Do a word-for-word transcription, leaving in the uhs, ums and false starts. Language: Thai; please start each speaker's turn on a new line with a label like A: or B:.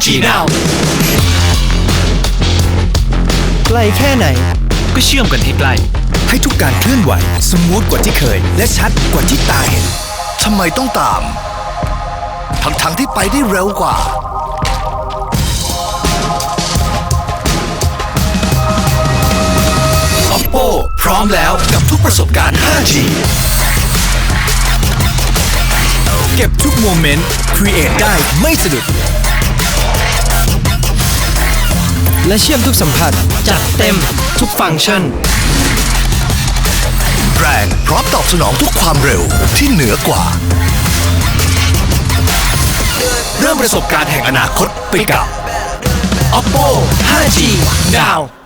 A: จี Now
B: ไกลแค่ไหน
A: ก็เชื่อมกันให้ใกล้
C: ให้ทุกการเคลื่อนไหวสมูทกว่าที่เคยและชัดกว่าที่ตาเห็น
D: ทำไมต้องตามทั้งๆที่ไปได้เร็วกว่า
C: Oppo พร้อมแล้วกับทุกประสบการณ์ ห้าจี เก็บทุกโมเมนต์ Create ได้ไม่สะดุด
B: และเชื่อมทุกสัมผัสจัดเต็มทุกฟังก์ชัน
D: แรงพร้อมตอบสนองทุกความเร็วที่เหนือกว่า
C: เริ่มประสบการณ์แห่งอนาคตไปกับ Oppo ห้าจี Now